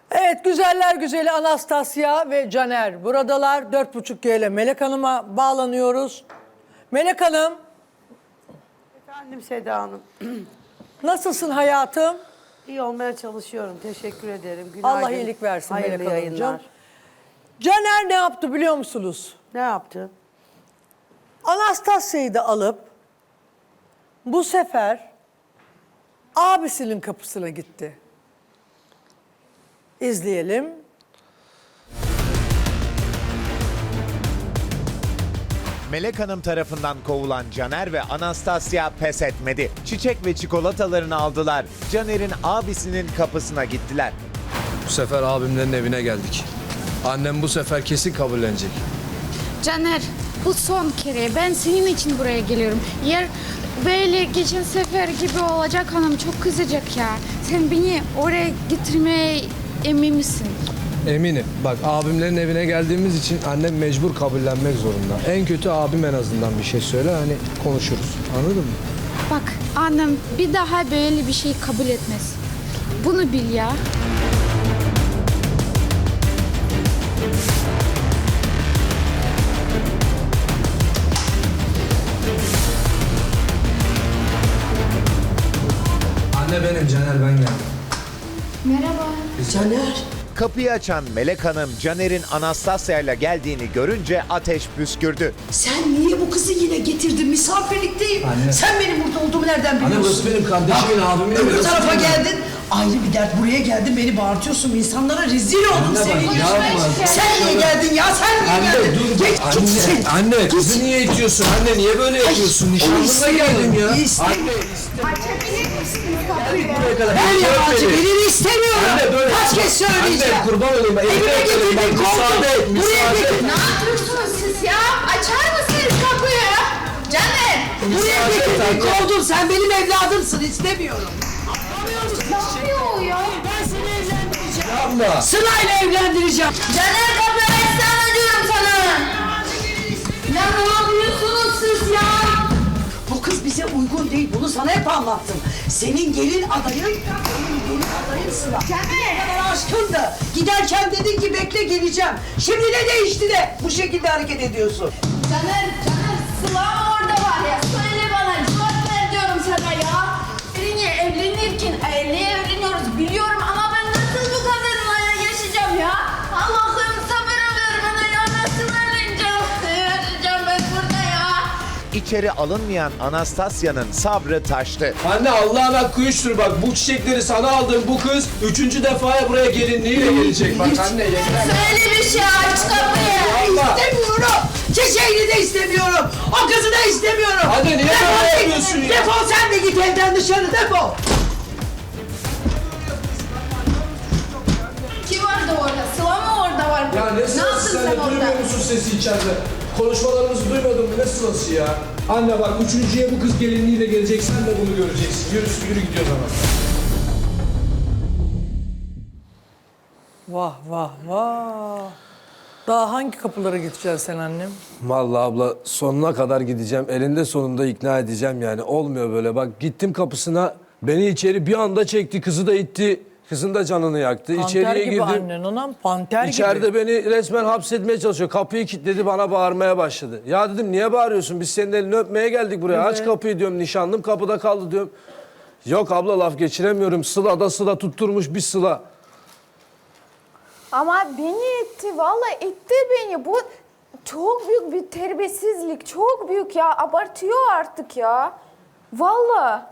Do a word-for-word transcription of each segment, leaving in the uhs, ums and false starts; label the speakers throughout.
Speaker 1: Evet, güzeller güzeli Anastasya ve Caner buradalar. Dört buçuk G ile Melek Hanım'a bağlanıyoruz. Melek Hanım,
Speaker 2: Efendim Seda Hanım.
Speaker 1: nasılsın hayatım?
Speaker 2: İyi olmaya çalışıyorum. Teşekkür ederim. Günaydın.
Speaker 1: Allah iyilik versin
Speaker 2: Hayırlı
Speaker 1: Melek Hanımcığım.
Speaker 2: yayınlar.
Speaker 1: Caner ne yaptı biliyor musunuz?
Speaker 2: Ne yaptı?
Speaker 1: Anastasya'yı da alıp bu sefer abisinin kapısına gitti. İzleyelim.
Speaker 3: Melek Hanım tarafından kovulan Caner ve Anastasya pes etmedi. Çiçek ve çikolatalarını aldılar. Caner'in abisinin kapısına gittiler.
Speaker 4: Bu sefer abimlerin evine geldik. Annem bu sefer kesin kabullenecek.
Speaker 5: Caner, bu son kere. Ben senin için buraya geliyorum. Yer böyle geçen sefer gibi olacak, hanım çok kızacak ya. Sen beni oraya getirmeye emin misin?
Speaker 4: Eminim. Bak abimlerin evine geldiğimiz için annem mecbur kabullenmek zorunda. En kötü abim en azından bir şey söyle, hani konuşuruz. Anladın mı?
Speaker 5: Bak annem bir daha böyle bir şey kabul etmez. Bunu bil ya.
Speaker 4: Anne benim, Caner ben geldim.
Speaker 5: Merhaba.
Speaker 2: Caner.
Speaker 3: Kapıyı açan Melek Hanım Caner'in Anastasya'yla geldiğini görünce ateş püskürdü.
Speaker 6: Sen niye bu kızı yine getirdin? Misafirlikteyim.
Speaker 4: Anne.
Speaker 6: Sen benim burada olduğumu nereden biliyorsun?
Speaker 4: Anne burası benim kardeşimin, abimin evi.
Speaker 6: Öbür
Speaker 4: Burası
Speaker 6: tarafa
Speaker 4: benim.
Speaker 6: geldin. Ayrı bir dert. Buraya geldin, beni bağırtıyorsun. İnsanlara rezil oldum
Speaker 4: Anne bak,
Speaker 6: senin.
Speaker 4: yapma.
Speaker 6: Sen niye geldin ya? Sen niye
Speaker 4: Anne
Speaker 6: geldin?
Speaker 4: dur.
Speaker 6: Geç,
Speaker 4: Anne,
Speaker 6: gitsin.
Speaker 4: anne kızı niye itiyorsun? Anne niye böyle yapıyorsun? Nişanlımla geldim ya.
Speaker 6: İstemiyorum.
Speaker 4: Anne buraya kadar.
Speaker 6: Ben
Speaker 4: Yeter
Speaker 6: yabancı
Speaker 4: beni.
Speaker 6: birini istemiyorum.
Speaker 4: Anne böyle.
Speaker 6: Kaç kez söyleyeceğim.
Speaker 4: Anne kurban olayım.
Speaker 6: Evime
Speaker 4: Evime
Speaker 6: getirdin,
Speaker 4: müsaade et.
Speaker 6: kovdun. Buraya
Speaker 4: Müsaade et.
Speaker 6: getirdin.
Speaker 5: Ne yapıyorsunuz siz ya? Açar mısınız kapıyı? Caner!
Speaker 6: Buraya
Speaker 4: Müsaade et
Speaker 6: getirdin,
Speaker 4: anne.
Speaker 6: kovdun. Sen benim evladımsın. İstemiyorum.
Speaker 5: Ne yapıyor ya?
Speaker 6: Ben seni evlendireceğim.
Speaker 4: Yapma.
Speaker 6: Sırayla evlendireceğim.
Speaker 5: Caner kapıyı açsana diyorum sana. Ya ne yapıyorsunuz siz ya?
Speaker 6: Bu kız bize uygun değil. Bunu sana hep anlattım. Senin gelin adayın, senin gelin adayın Sıla.
Speaker 5: Caner!
Speaker 6: Ne kadar aşkındı. Giderken dedin ki bekle geleceğim. Şimdi ne değişti de bu şekilde hareket ediyorsun?
Speaker 5: Caner, Caner, Sıla orada var ya. Söyle bana, cevap ver diyorum sana ya. Seninle evlenirken, e, neye evleniyoruz biliyorum ama ben nasıl bu kadınla yaşayacağım ya? Allah'ım sabır ver bana ya. Nasıl evleneceğim? Yaşayacağım ben burada ya.
Speaker 3: İçeri alınmayan Anastasya'nın sabrı taştı.
Speaker 4: Anne Allah'ın hakkı üçtür bak, bu çiçekleri sana aldığım bu kız üçüncü defaya buraya gelinliğiyle gelecek bak anne yeter.
Speaker 5: Söyle bir şey, aç kapıyı.
Speaker 4: Allah.
Speaker 6: İstemiyorum. Çiçeğini de istemiyorum. O kızı da istemiyorum.
Speaker 4: Anne, niye
Speaker 6: Defol
Speaker 4: böyle
Speaker 6: git.
Speaker 4: yapıyorsun ya?
Speaker 6: Defol sen de git evden dışarı defol.
Speaker 5: Kim vardı orada? Sıla mı orada var?
Speaker 4: Ya ne
Speaker 5: yaptın
Speaker 4: sırası, sen
Speaker 5: sen
Speaker 4: de
Speaker 5: orada?
Speaker 4: duymuyor musun sesi içeride? Konuşmalarımızı duymadın mı, ne sırası ya? Anne bak üçüncüye bu kız gelinliğiyle gelecek, sen de bunu göreceksin. Yürü yürü gidiyoruz ama.
Speaker 1: Vah vah vah. Daha hangi kapılara gideceksin sen annem?
Speaker 4: Vallahi abla sonuna kadar gideceğim. Elinde sonunda ikna edeceğim yani. Olmuyor böyle. Bak gittim kapısına. Beni içeri bir anda çekti. Kızı da itti. Kızın da canını yaktı.
Speaker 1: Panter
Speaker 4: İçeriye
Speaker 1: gibi
Speaker 4: girdim.
Speaker 1: annen anam, panter
Speaker 4: İçeride
Speaker 1: gibi.
Speaker 4: beni resmen hapsetmeye çalışıyor. Kapıyı kilitledi, bana bağırmaya başladı. Ya dedim niye bağırıyorsun? Biz senin elini öpmeye geldik buraya.
Speaker 1: Evet.
Speaker 4: Aç kapıyı diyorum. Nişanlım kapıda kaldı diyorum. Yok abla laf geçiremiyorum. Sıla da Sıla tutturmuş bir Sıla.
Speaker 7: Ama beni itti, vallahi itti beni. Bu çok büyük bir terbiyesizlik, çok büyük ya. Abartıyor artık ya. Vallahi.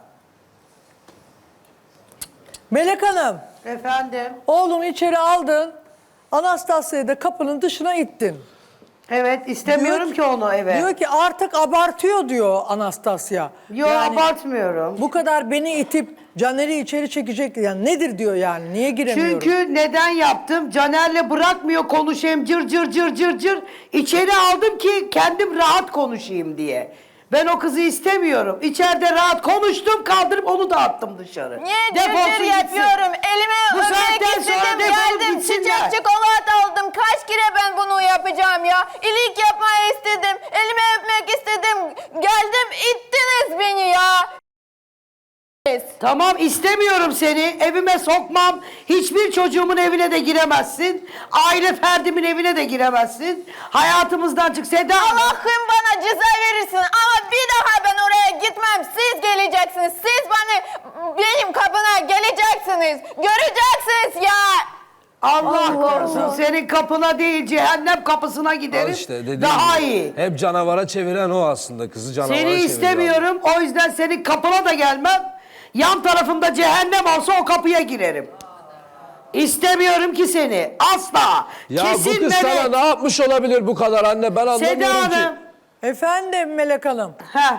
Speaker 1: Melek Hanım,
Speaker 2: Efendim.
Speaker 1: oğlunu içeri aldın. Anastasya'yı da kapının dışına ittin.
Speaker 2: Evet istemiyorum
Speaker 1: Diyor
Speaker 2: ki onu eve.
Speaker 1: Diyor ki artık abartıyor diyor Anastasya.
Speaker 2: Yok abartmıyorum.
Speaker 1: Bu kadar beni itip Caner'i içeri çekecek. Yani nedir diyor yani, niye giremiyorum?
Speaker 2: Çünkü neden yaptım? Caner'le bırakmıyor konuşayım cır cır cır cır cır. İçeri aldım ki kendim rahat konuşayım diye. Ben o kızı istemiyorum. İçeride rahat konuştum, kaldırıp onu da attım dışarı.
Speaker 7: Niye
Speaker 2: Defolsun
Speaker 7: cırcır
Speaker 2: gitsin.
Speaker 7: yapıyorum? Elime
Speaker 2: Bu
Speaker 7: öpmek
Speaker 2: saatten sonra
Speaker 7: istedim,
Speaker 2: defolup
Speaker 7: geldim
Speaker 2: gitsinler.
Speaker 7: çiçek çikolata aldım. Kaç kere ben bunu yapacağım ya? İyilik yapmayı istedim, elime öpmek istedim. Geldim ittiniz beni ya.
Speaker 2: Tamam, istemiyorum seni. Evime sokmam. Hiçbir çocuğumun evine de giremezsin. Aile ferdimin evine de giremezsin. Hayatımızdan çık Seda Hanım.
Speaker 7: Allah'ım bana ceza verirsin ama bir daha ben oraya gitmem. Siz geleceksiniz. Siz bana benim kapına geleceksiniz. Göreceksiniz ya.
Speaker 2: Allah,
Speaker 7: Allah
Speaker 2: korusun
Speaker 7: Allah.
Speaker 2: senin kapına değil cehennem kapısına
Speaker 4: Al
Speaker 2: giderim.
Speaker 4: işte dediğim
Speaker 2: Daha
Speaker 4: gibi.
Speaker 2: iyi.
Speaker 4: Hep canavara çeviren o aslında. Kızı canavara
Speaker 2: Seni
Speaker 4: çeviriyor.
Speaker 2: istemiyorum. O yüzden senin kapına da gelmem. Yan tarafımda cehennem olsa o kapıya girerim. İstemiyorum ki seni. Asla.
Speaker 4: Ya
Speaker 2: Kesin
Speaker 4: bu kız
Speaker 2: Melek.
Speaker 4: sana ne yapmış olabilir bu kadar anne? Ben anlamıyorum
Speaker 2: Seda
Speaker 4: ki.
Speaker 2: Hanım.
Speaker 1: Efendim Melek Hanım.
Speaker 2: Heh,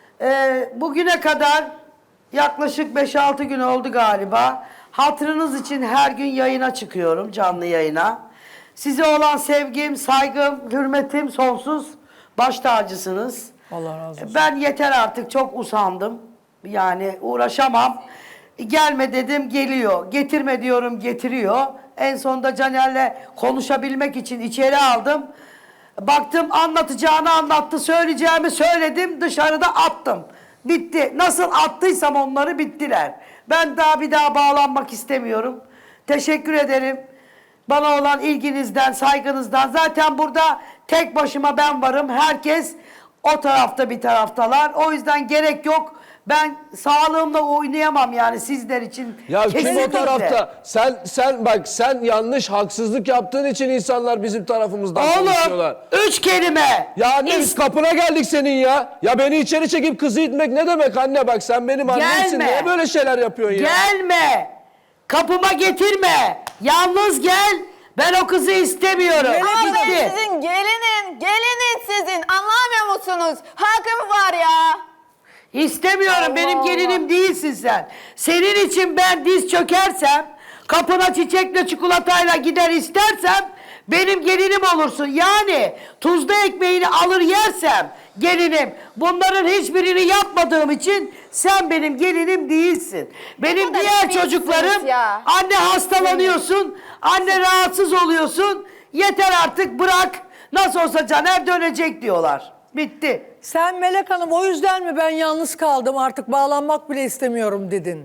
Speaker 2: e, bugüne kadar yaklaşık beş altı gün oldu galiba. Hatırınız için her gün yayına çıkıyorum, canlı yayına. Size olan sevgim, saygım, hürmetim sonsuz. Baş tacısınız.
Speaker 1: Allah razı olsun.
Speaker 2: Ben yeter artık, çok usandım. Yani uğraşamam. Gelme dedim, geliyor. Getirme diyorum, getiriyor. En sonunda Caner'le konuşabilmek için içeri aldım. Baktım anlatacağını anlattı, söyleyeceğimi söyledim, dışarıda attım. Bitti. Nasıl attıysam onları bittiler. Ben daha bir daha bağlanmak istemiyorum. Teşekkür ederim. Bana olan ilginizden, saygınızdan. Zaten burada tek başıma ben varım. Herkes o tarafta bir taraftalar. O yüzden gerek yok. Ben sağlığımla oynayamam yani sizler için.
Speaker 4: Ya kim o
Speaker 2: Kesinlikle.
Speaker 4: tarafta? Sen sen bak sen yanlış haksızlık yaptığın için insanlar bizim tarafımızdan
Speaker 2: Oğlum
Speaker 4: konuşuyorlar.
Speaker 2: üç kelime.
Speaker 4: Ya anne biz
Speaker 2: İst-
Speaker 4: kapına geldik senin ya. Ya beni içeri çekip kızı itmek ne demek anne, bak sen benim annemsin.
Speaker 2: Gelme.
Speaker 4: Niye böyle şeyler yapıyorsun ya?
Speaker 2: Gelme. Kapıma getirme. Yalnız gel. Ben o kızı istemiyorum.
Speaker 7: Ama ben
Speaker 2: Bitti.
Speaker 7: sizin gelinin, gelinin sizin. Anlamıyor musunuz? Hakkım var ya.
Speaker 2: İstemiyorum.
Speaker 7: Allah
Speaker 2: Benim
Speaker 7: Allah.
Speaker 2: gelinim değilsin sen. Senin için ben diz çökersem, kapına çiçekle çikolatayla gider istersem benim gelinim olursun. Yani tuzlu ekmeğini alır yersem gelinim. Bunların hiçbirini yapmadığım için sen benim gelinim değilsin. Benim
Speaker 7: kadar
Speaker 2: diğer
Speaker 7: eminsiniz
Speaker 2: çocuklarım
Speaker 7: ya.
Speaker 2: anne hastalanıyorsun, anne rahatsız oluyorsun. Yeter artık bırak. Nasıl olsa Caner dönecek diyorlar. Bitti.
Speaker 1: Sen Melek Hanım o yüzden mi ben yalnız kaldım artık bağlanmak bile istemiyorum dedin?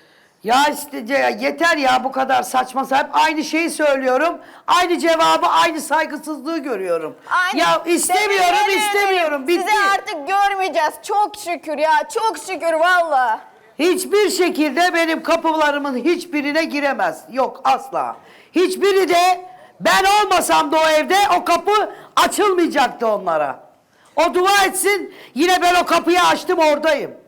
Speaker 2: Ya işte ya yeter ya bu kadar saçma sapan. Aynı şeyi söylüyorum. Aynı cevabı, aynı saygısızlığı görüyorum.
Speaker 7: Aynı-
Speaker 2: Ya istemiyorum,
Speaker 7: Teşekkür
Speaker 2: istemiyorum.
Speaker 7: ederim.
Speaker 2: Bitti.
Speaker 7: Sizi artık görmeyeceğiz. Çok şükür ya. Çok şükür valla.
Speaker 2: Hiçbir şekilde benim kapılarımın hiçbirine giremez. Yok asla. Hiçbiri de ben olmasam da o evde o kapı açılmayacaktı onlara. O dua etsin, yine ben o kapıyı açtım, oradayım.